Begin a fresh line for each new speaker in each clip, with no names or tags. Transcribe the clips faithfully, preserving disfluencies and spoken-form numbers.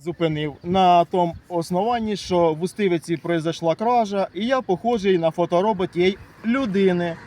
зупинив на тому основанні, що в Устивиці произошла кража, і я похожий на фоторобот тієї людини.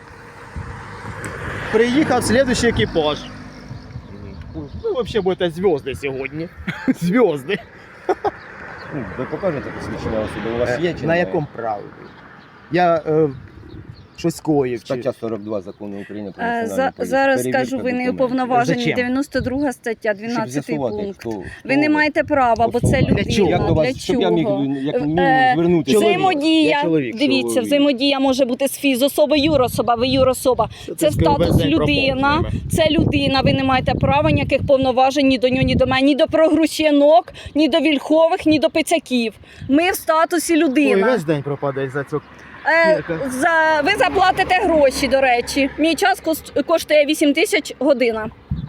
Приїхав слідуючий екіпаж. Ви взагалі будете зв'язки сьогодні. Зв'язки.
Ну, ви покажете посвідчення особи, у вас є чи
На
немає?
якому праві? Я е, щось коїв. Чи...
Стаття сорок два закону України про
Е,
національну
за-
поліцію.
Зараз
Перевірка
скажу, ви не
документів.
уповноважені.
Зачем?
дев'яносто друга стаття,
Щоб
дванадцятий
з'ясувати,
пункт.
хто, хто
Ви не маєте права, бо це
особа.
людина.
Для чого?
Як до вас,
Для
щоб я міг,
чого?
як
Е,
мінімум звернутися.
чоловік.
Взаємодія,
Я чоловік,
дивіться,
чоловік.
взаємодія може бути з фізособи, юрособа, ви юрособа. Це статус людина, це людина, ви не маєте права ніяких повноважень ні до нього, ні до мене, ні до прогрущенок, ні до вільхових, ні до пицяків. Ми в статусі
Ой,
людина.
весь день пропаде за цю.
Е, за, ви заплатите гроші, до речі. Мій час кос- коштує вісім тисяч година.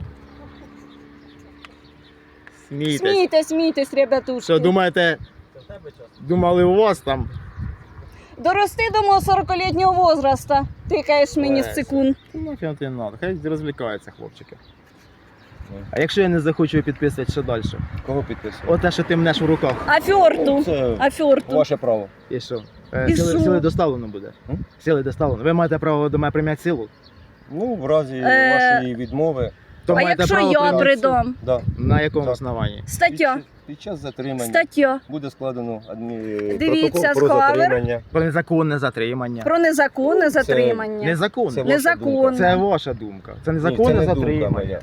Смійтесь.
Смійтесь, смійтесь, ребятушки.
Що, думаєте, думали у вас там?
Дорости до мого сорокалітнього возраста. Тикаєш мені в
Е,
цикун.
Ну, чим ти надо, хай розвлікаються хлопчики. А якщо я не захочу підписувати, що далі?
Кого підписувати?
Оте, що ти мнеш в руках.
Афьорту.
Це
Афьорту.
ваше право.
І що? Е,
І
сили,
що?
сили доставлено буде.
М?
Сили доставлено. Ви маєте право до мене прийняти силу.
Ну, в разі
Е,
вашої відмови,
То
А
маєте
якщо
право
я
прийняти силу.
придам?
да.
На якому
Так.
основанні?
Стаття.
Під, під час затримання
Стаття.
буде складено адмі...
Дивіться,
протокол про
схвалер.
затримання.
Про незаконне затримання.
Про незаконне затримання.
Незаконне.
Це
Це,
ваша
Незаконно.
думка.
ваша думка. Це
Ні,
незаконне
це не думка
затримання.
моя.